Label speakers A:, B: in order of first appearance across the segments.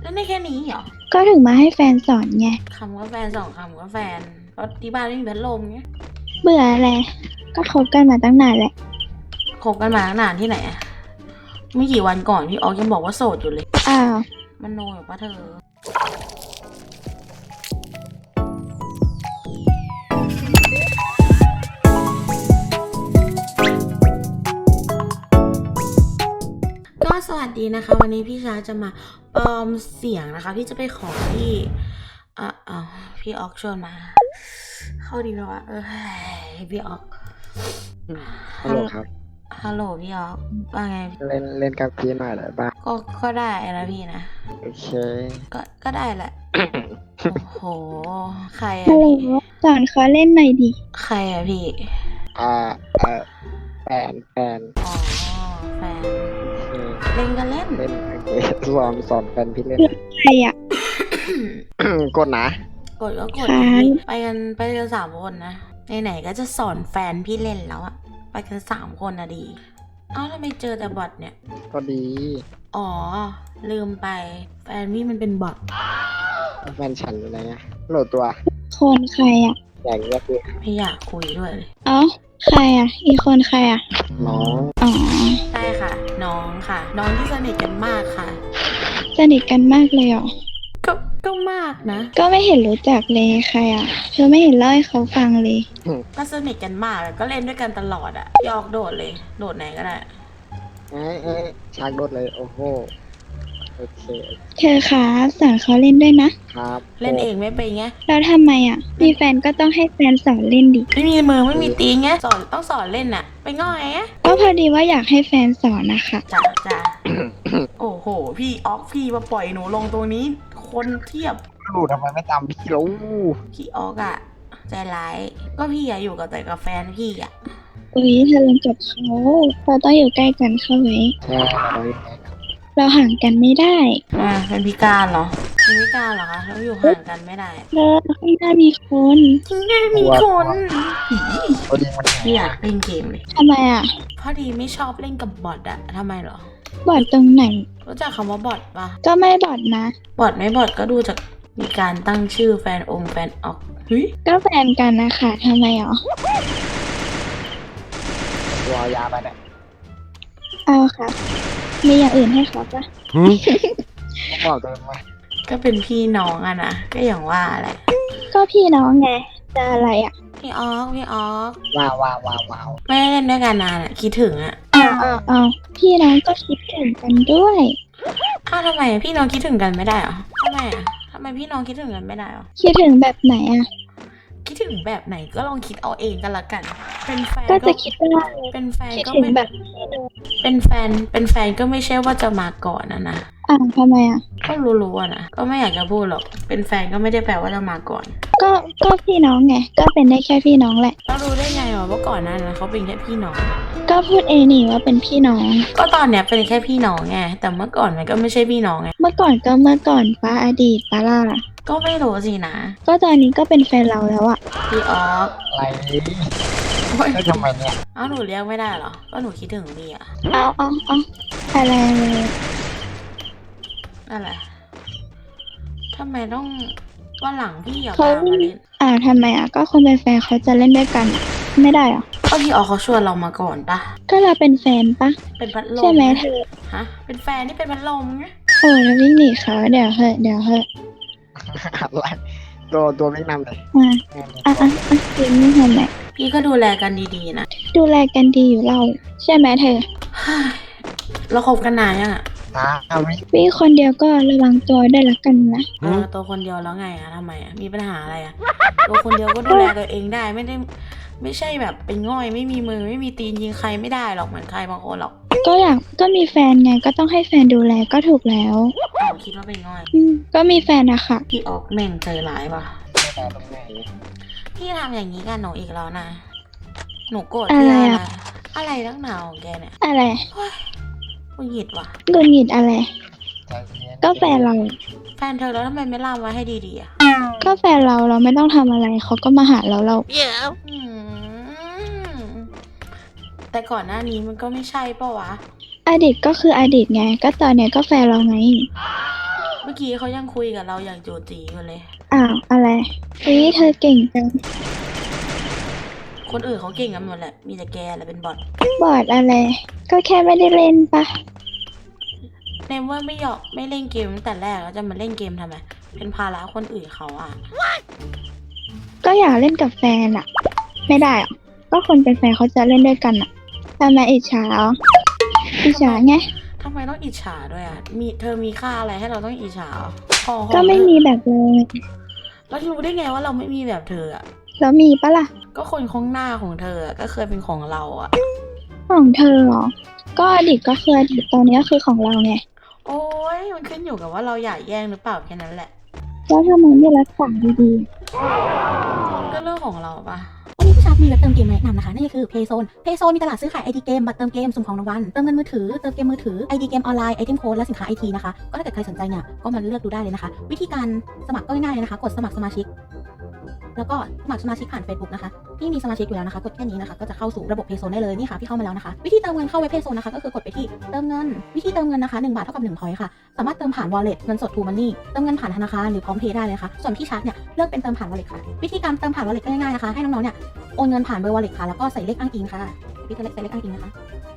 A: นั่นได้แค่นี้เหรอ
B: ก็ถึงมาให้แฟนสอนไง
A: คำว่าแฟน2 คำว่าแฟนเพราะที่บ้านไม่มีพัดลมไง
B: เบื่ออะไรก็คบกันมาตั้งนานแหละ
A: คบกันมาตั้งนานที่ไหนอะไม่กี่วันก่อนพี่ออกยังบอกว่าโสดอยู่เลย
B: อ้าว
A: มันโนอยู่ปะเธอก็สวัสดีนะคะวันนี้พี่ชาจะมาปลอมเสียงนะคะพี่จะไปขอพี่พี่ออกชวนมาเข้าดีไหมวะพี่ออก
C: ฮัลโหลครับ
A: ฮัลโหลพี่ออกว่าไง
C: เล่นกับพี่หน่อยได้บ้าง
A: ก็ได้นะพี่นะ
C: โอเค
A: ก็ได้แหละ โอ้โหใครอะ
B: ฮัลโหล
A: พี่
B: สอนเขาเล่นหน่อยดิ
A: ใครอะพี่
C: อ่าแฟน
A: อ๋อแฟน
C: โอเค
A: เล่นกันเล่น
C: เล่นโอเคสอนแฟนพี่เล่น
B: ใครอ่ะ
C: กดนะ
A: กดก็กด
B: ค่ะ
A: ไปกัน3 คนนะไหนๆก็จะสอนแฟนพี่เล่นแล้วอะไปกัน3 คนนะดีเอ้าทำไมเจอแต่บอทเนี่ย
C: ก็ดี
A: อ๋อลืมไปแฟนพี่มันเป็นบอท
C: แฟนฉันอะไรเงี้ยโหลดตัว
B: คนใครอ่ะ
C: อย่างเงี้ยคือ
A: ไม่อยากคุยด้วยเลย
B: เอ้าใครอ่ะอีกคนใครอ่ะ
C: น้อง
B: อ๋อ
A: ใช่ค่ะ น้องค่ะ น้องที่สนิทกันมากค่ะ
B: สนิทกันมากเลยเหรอ
A: ก็มากนะ
B: ก็ไม่เห็นรู้จักเลยใครอ่ะเธอไม่เห็นเล่าให้เขาฟังเลย
A: ก็สนิทกันมากก็เล่นด้วยกันตลอดอะยอกโดดเลยโดดไหนก็ได้
C: ชักโดดเลยโอ้โหโอเค
B: เธอคะสอนเขาเล่นด้วยนะครับ
A: เล่นเองไม่เป็นไง
B: แล้วทำไมอ่ะมีแฟนก็ต้องให้แฟนสอนเล่นดิ
A: ไม่มีมือไม่มีตีนไงต้องสอนเล่นน่ะไปง่อยไง
B: ก็พอดีว่าอยากให้แฟนสอนนะคะ
A: จ้า โอ้โหพี่ออกพี่มาปล่อยหนูลงตรงนี้ คนเทียบ
C: รู้ทำไมไม่ตามพี่รู้
A: พี่ออกอะใจร้ายก็พี่อะอยู่กับแต่กับแฟนพี่อะ
B: อุ๊ยเธอเล่นกับเขาเราต้องอยู่ใกล้กันเข้าไว้
C: ใช่
B: เราห่างกันไม่ได้
A: เป็นพิการเหรอเป็นพิการเหรอคะแล้วอยู่ห่างกันไม่ได้
B: แล้วข้างหน้ามีคน
A: ที่แน่มีคน
C: พอดีมัน
A: ไม่อยากเล่นเกมเลย
B: ทำไมอ่ะ
A: พอดีไม่ชอบเล่นกับบอทอะทำไมเหรอ
B: บอดตรงไหน
A: รู้จักคำว่าบอทปะ
B: ก็ไม่บอดนะ
A: บอทไม่บอทก็ดูจากมีการตั้งชื่อแฟนออกเฮ้ย
B: ก็แฟนกันนะคะทำไมอ่ะ
C: ตัวยาไปเนี่ย
B: เอาค่ะ มีอย่างอื่นให้เขาปะ
C: บอกตัวมา
A: ก็เป็นพี่น้องอะนะก็อย่างว่าแหละ
B: ก็พี่น้องไงจะอะไรอ่ะ
A: พี่ออก
C: ว้าว
A: ไม่ได้เล่นด้วยกันนานอะคิดถึงอะ
B: เอาพี่น้องก็คิดถึงกันด้วย
A: อ้าวทำไมพี่น้องคิดถึงกันไม่ได้เหรอทำไมอะทำไมพี่น้องคิดถึงกันไม่ได้เหรอ
B: คิดถึงแบบไหนอ่ะ
A: คิดถึงแบบไหนก็ลองคิดเอาเองกันละกัน เป็นแฟน
B: ก็จะคิดว่า
A: เป็นแฟน
B: คิด
A: ก็
B: ถึง
A: ไม่
B: แบบ
A: เป็นแฟนก็ไม่ใช่ว่าจะมาก่อนนะ
B: ทำไมอ่ะ
A: ก็รู้ๆอะนะก็ไม่อยากจะพูดหรอกเป็นแฟนก็ไม่ได้แปลว่าจะมาก่อน
B: ก็พี่น้องไงก็เป็นได้แค่พี่น้องแหละ
A: เรารู้ได้ไงว่าก่อนหนั้นนะเขาเป็นแค่พี่น้อง
B: ก็พูดเองนี่ว่าเป็นพี่น้อง
A: ก็ตอนเนี้ยเป็นแค่พี่น้องไงแต่เมื่อก่อนมันก็ไม่ใช่พี่น้องไง
B: เมื่อก่อนก็เมื่อก่อนป้าอดีตป้าล่ะ
A: ก็ไม่รู้สินะ
B: ก็ตอนนี้ก็เป็นแฟนเราแล้วอ่ะ
A: พี่ออก
C: อะไรแล้วทำไมเนี่ย
A: เอ้าหนูเรียกไม่ได้เหรอก็หนูคิดถึงพี่อะ
B: เอาอะไรเลย
A: อะไรทำไมต้องวันหลังพี่อย่า
B: เขา
A: พามาเล่น
B: ทำไมอ่ะก็คนเป็นแฟนเขาจะเล่นด้วยกันอะไม่ได้เหรอ
A: ก็พี่ออกเขาชวนเรามาก่อนปะ
B: ก็เราเป็นแฟนปะ
A: เป็นพัดลม
B: ใช่ไหมเธอ
A: ฮะเป็นแฟนที่เป็นพัดลมไง
B: โอ้แล้ววิ่งหนีเขาเดี๋ยวเหอะ
C: อะไรตัวไม่นำเลย
B: กินไม่ทำไหน
A: พี่ก็ดูแลกันดีๆนะ
B: ดูแลกันดีอยู่เราใช่ไหมเธอ
A: เราคบกันนานยังอะ
B: วิ่งคนเดียวก็ระวังตัวด้วยละกันนะ
A: ตัวคนเดียวแล้วไงอะทำไมอะมีปัญหาอะไรอะตัวคนเดียวก็ดูแลตัวเองได้ไม่ใช่แบบเป็นง่อยไม่มีมือไม่มีตีนยิงใครไม่ได้หรอกเหมือนใครบางคนหรอก
B: ก็มีแฟนไงก็ต้องให้แฟนดูแลก็ถูกแล้ว
A: คิดว่าเป็นง่อย
B: ก็มีแฟนนะคะ
A: พี่ออกแม่งใจร้ายว่ะ
C: แต่ตรงไหน
A: พี่ทำอย่างนี้กับหนูอีกแล้วนะหนูโกรธพี่อะไรนักหนาของแกเนี่ย
B: อะไร
A: กูหยิดว่ะ
B: หงุดหงิดอะไร
C: ใจเย็น
B: ก็แฟนเรา
A: แฟนเธอแล้วทำไมไม่ล่ามไว้ให้ดีๆอะ
B: ก็แฟนเราไม่ต้องทำอะไรเขาก็มาหาเรา
A: อืมแต่ก่อนหน้านี้มันก็ไม่ใช่ปะวะ
B: อดีตก็คืออดีตไง ก็ตอนเนี้ยก็แฟนเราไง
A: เมื่อกี้เขายังคุยกับเราอย่างจูจีอยู่เลย
B: อ้าวอะไรเธอเก่งจัง
A: คนอื่นเขาเก่งกันหมดแหละ มีแต่แกแหละเป็นบอท
B: บอร์ดอะไร ก็แค่ไม่ได้เล่นปะ
A: ในเมื่อไม่เล่นเกมตั้งแต่แรกแล้วจะมาเล่นเกมทำไม เป็นภาระคนอื่นเขาอ่ะ
B: ก็อยากเล่นกับแฟนอะไม่ได้อะก็คนเป็นแฟนเขาจะเล่นด้วยกันอะทำไมอิจฉาเหรออิจฉาไง
A: ทำไมต้องอิจฉาด้วยอ่ะ เธอมีค่าอะไรให้เราต้องอิจฉาพอ
B: ก็ไม่มีแบบเลย
A: แล้วรู้ได้ไงว่าเราไม่มีแบบเธออ่ะ
B: แล้วมีปะล่ะ
A: ก็คนข้างหน้าของเธออะก็เคยเป็นของเราอ่ะ
B: ของเธอเหรอ ก็อดีตก็คืออดีตตอนนี้ก็คือของเราไง
A: โอ้ยมันขึ้นอยู่กับว่าเราอยากแย่งหรือเปล่าแค่นั้นแหละ
B: แล้วทำไมไม่รักษาดี
A: ก็เรื่องของเราปะ
D: วันนี้พี่ชาร์ปมีเว็บเติมเกมมาแนะนำนะคะนั่นก็คือ Payzone Payzone มีตลาดซื้อขาย ID เกมบัตรเติมเกมสุ่มของรางวัลเติมเงินมือถือเติมเกมมือถือ ID เกมออนไลน์ไอเทมโค้ดและสินค้า IT นะคะก็ถ้าเกิดใครสนใจเนี่ยก็มาเลือกดูได้เลยนะคะวิธีการสมัครก็ง่ายๆเลยนะคะกดสมัครสมาชิกแล้วก็สมัครสมาชิกผ่าน Facebook นะคะพี่มีสมาชิกอยู่แล้วนะคะกดแค่นี้นะคะก็จะเข้าสู่ระบบ Payzone ได้เลยนี่ค่ะพี่เข้ามาแล้วนะคะวิธีเติมเงินเข้าเว็บ Payzone นะคะก็คือกดไปที่เติมเงินวิธีเติมเงินนะคะ1 บาทเท่ากับ1 point ค่ะสามารถเติมผ่าน wallet เงินสด True Money เติมเงินผ่านธนาคารหรือพร้อมเพย์ได้เลยค่ะส่วนพี่ชาร์ปเนี่ยเลือกเป็นเติมผ่าน wallet ค่ะวิธีการเติมผ่าน wallet ก็ง่ายๆนะคะให้น้องๆเนี่ยโอนเงินผ่านเบอร์ wallet ค่ะแล้วก็ใส่เลขอ้างอิงค่ะพี่จะใส่เลขอ้างอิงนะคะ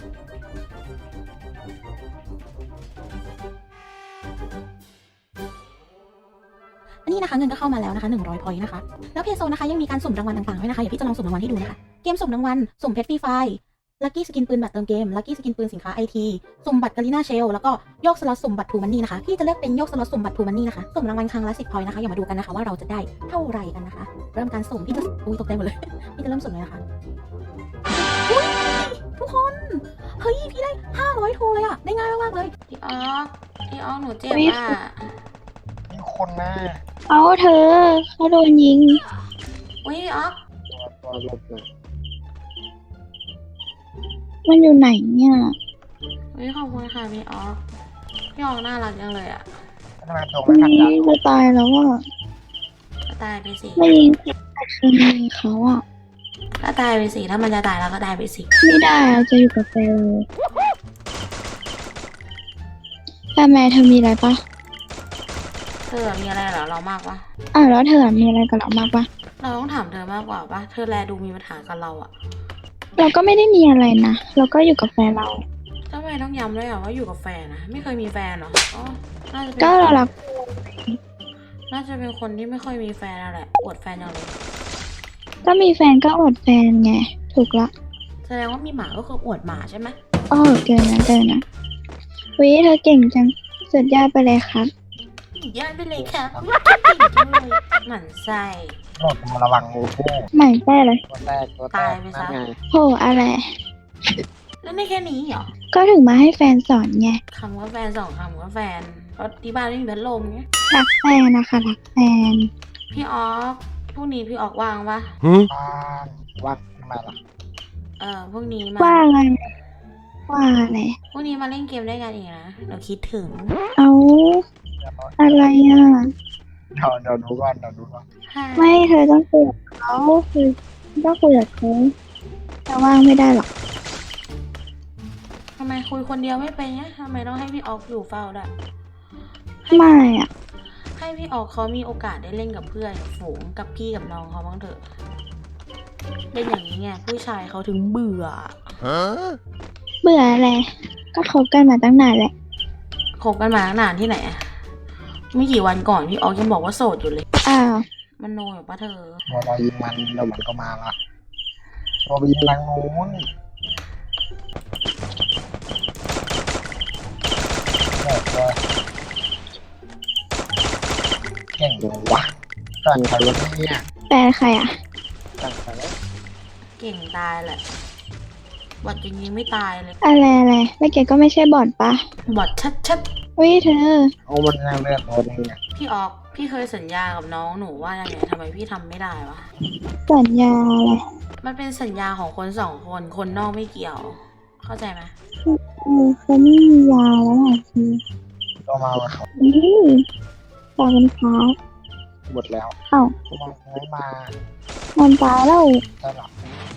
D: อันนี้นะคะเงินก็เข้ามาแล้วนะคะ100 point นะคะแล้วเพโซนะคะยังมีการสุ่มรางวัลต่างๆด้วยนะคะเดี๋ยวพี่จะลองสุ่มรางวัลให้ดูนะคะเกมสุ่มรางวัลสุ่มเพชรฟรีไฟลัคกี้สกินปืนบัตรเติมเกมลัคกี้สกินปืนสินค้า IT สุ่มบัตรกาลิน่าเชลแล้วก็โยกสล็อตสุ่มบัตรทูมันนี่นะคะพี่จะเลือกเป็นโยกสล็อตสุ่มบัตรทูมันนี่นะคะสุ่มรางวัลครั้งละ10 point นะคะอย่ามาดูกันนะคะว่าเราจะได้เท่าไหร่กันนะคะเริ่มการสุ่มพี่จะตกใจหมดเลย พี่จะเริ่มสุ่มเลยนะคะอุ๊ยทุกคนเฮ้ยพี่ได้500 โทรเลยอะได้ง่ายมากๆเลย
A: พี่ออกหนูเจ็บอ่ะ
C: มีคนหน้า
B: ๆ เอาเธอเขาโดนยิง
A: อุ้ยพี่ออก
C: ตัวหลบเลย
B: มันอยู่ไหนเนี่ย
A: อุ้ยขอบคุณค่ะพี่ออกน่ารักจังเลยอ่ะ
C: ทำไมตัวไม่ทันดัง
B: จะตายแล้วอ่ะ
A: ก็ตายไปสิ
B: ไม่ยิงแต่คืนยิงเขาอ่ะ
A: ก็ตายไปสิถ้ามันจะตายแล้วก็ตายไปสิ
B: ไม่ได้อะจะอยู่กับแฟนเลยแต่แม่เธอมีอะไรปะ
A: เธอมีอะไรเหรอเรามากปะ
B: แล้วเธอมีอะไรกับเรามากปะ
A: เราต้องถามเธอมากกว่าปะเธอแลดูมีปัญหากับเราอ่ะ
B: เราก็ไม่ได้มีอะไรนะเราก็อยู่กับแฟนเรา
A: ทำไมต้องย้ำด้วยอ่ะว่าอยู่กับแฟนนะไม่เคยมีแฟนเหรออ๋อน่าจะเป็น
B: ก็เรารัก
A: น่าจะเป็นคนที่ไม่ค่อยมีแฟนนั่นแหละอวดแฟนอย่างเลย
B: ก็มีแฟนก็อดแฟนไงถูกละ
A: แสดงว่ามีหมาก็คืออวดหมาใช่ไหม
B: เกินนะวิเธอเก่งจังสุดยอดไปเลยครับ
A: ย้ายไปเลยค่ะเก่งจังเลยหมั่นไส้
C: โหลดมาระวังงูคู่
B: ใหม่แป้เลย
C: ตัวแรกตัวแร
A: ตาย
C: ก
A: ไป
C: นั่
A: ซะ
C: นไง
B: โหอะไร
A: แล้วได้แค่นี้เหรอ
B: ก็ถึงมาให้แฟนสอนไง
A: คำว่าแฟน2 คำว่าแฟนเพราะที่บ้านไม่มีพัดลมไง
B: รักแฟนนะคะรักแฟน
A: พี่ออกพรุ่งนี้พี่ออกว่างปะ
C: ว่างทำไมล่ะ
A: พรุ่งนี้มา
B: ว่าอะไรว่าอะไร
A: พรุ่งนี้มาเล่นเกมด้วยกันอีกนะเราคิดถึง
B: เอาอะไรอ่ะ
C: เดี๋ยวดูก่อนเดี๋ยวดูก่อน
B: ไม่เธอต้องคุยกับเขาคือต้องคุยกับเขาแต่ว่างไม่ได้หรอก
A: ทำไมคุยคนเดียวไม่เป็นเนี่ยทำไมต้องให้พี่ออกอยู่เฝ้าด้วย
B: ไม่อ่ะ
A: ให้พี่ออกเขามีโอกาสได้เล่นกับเพื่อนกับฝูงกับพี่กับน้องเขาบ้างเถอะเล่นอย่างนี้ไงผู้ชายเขาถึงเบื่อ
B: เบื่ออะไรก็คบกันมาตั้งนานแหละ
A: คบกันมาตั้งนานที่ไหนอะไม่กี่วันก่อนพี่ออกยังบอกว่าโสดอยู่เลย
B: อ้าว
A: มันโนอยู่ปะเธอ
C: ตัวเรายิงมันเดี๋ยวมันก็มาละตัวไปยิงทางนู้นตัวเก่งจังวะสั่งใครวะเนี่ย
B: แฟนใครอ่ะ
C: สั่งใครวะ
A: เก่งตายแหละบอดจริงๆไม่ตายเลย
B: อะไรแล้วแกก็ไม่ใช่บอดปะ
A: บอดชัด
B: วิเธอ
C: เอามันแรงเลือดตัวนึงเนี่ย
A: ๆพี่ออกพี่เคยสัญญากับน้องหนูว่ายังไงทำไมพี่ทำไม่ได้วะ
B: สัญญาอะไร
A: มันเป็นสัญญาของคน2 คนคนนอกไม่เกี่ยว เข้าใจไหม
B: เขาไม่มียาแล้วอ่ะคือ
C: ก็มาว่าเขา
B: ตาเป็นฟ้า
C: หมดแล้ว
B: เอ้า
C: ก็มันไม่มา
B: มันตายแล้ว
C: ใช่หรอ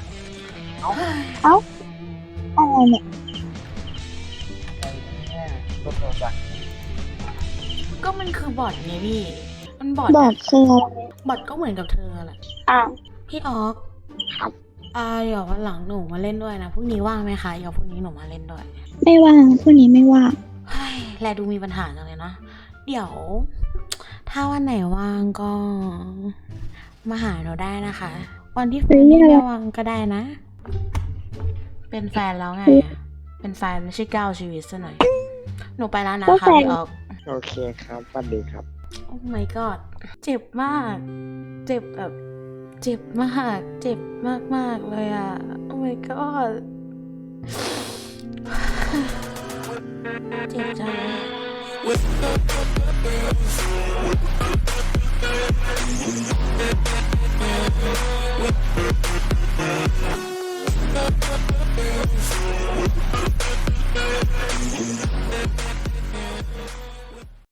B: อะไรเนี่ย
C: ไอ้เนี่ยรถโดนจักร
A: ก็มันคือบอทไงพี่ มันบอท
B: บอ
A: อะ
B: ดคืออะไร
A: บอทก็เหมือนกับเธอแหละ
B: อ้าว
A: พี่ออก
C: ครับ
A: เดี๋ยววันหลังหนูมาเล่นด้วยนะพรุ่งนี้ว่างไหมคะเดี๋ยวพรุ่งนี้หนูมาเล่นด้วย
B: ไม่ว่างพวกนี้ไม่ว่าง
A: เฮ้ยแลดูมีปัญหาจังเลยเนาะเดี๋ยว ถ้าวันไหนว่างก็ มาหาหนูได้นะคะ วันที่แฟนนี่ไม่ว่างก็ได้นะ เป็นแฟนแล้วไงอะเป็นแฟนไม่ใช่ก้าวชีวิตซะหน่อย หนูไปแล้วนะคะพี่ออก
C: โอเคครับสวัสดีครับ
A: โอ้ my god เจ็บมาก เจ็บแบบ เจ็บมาก เจ็บมากๆเลยอ่ะ โอ้ my god เจ็บจัง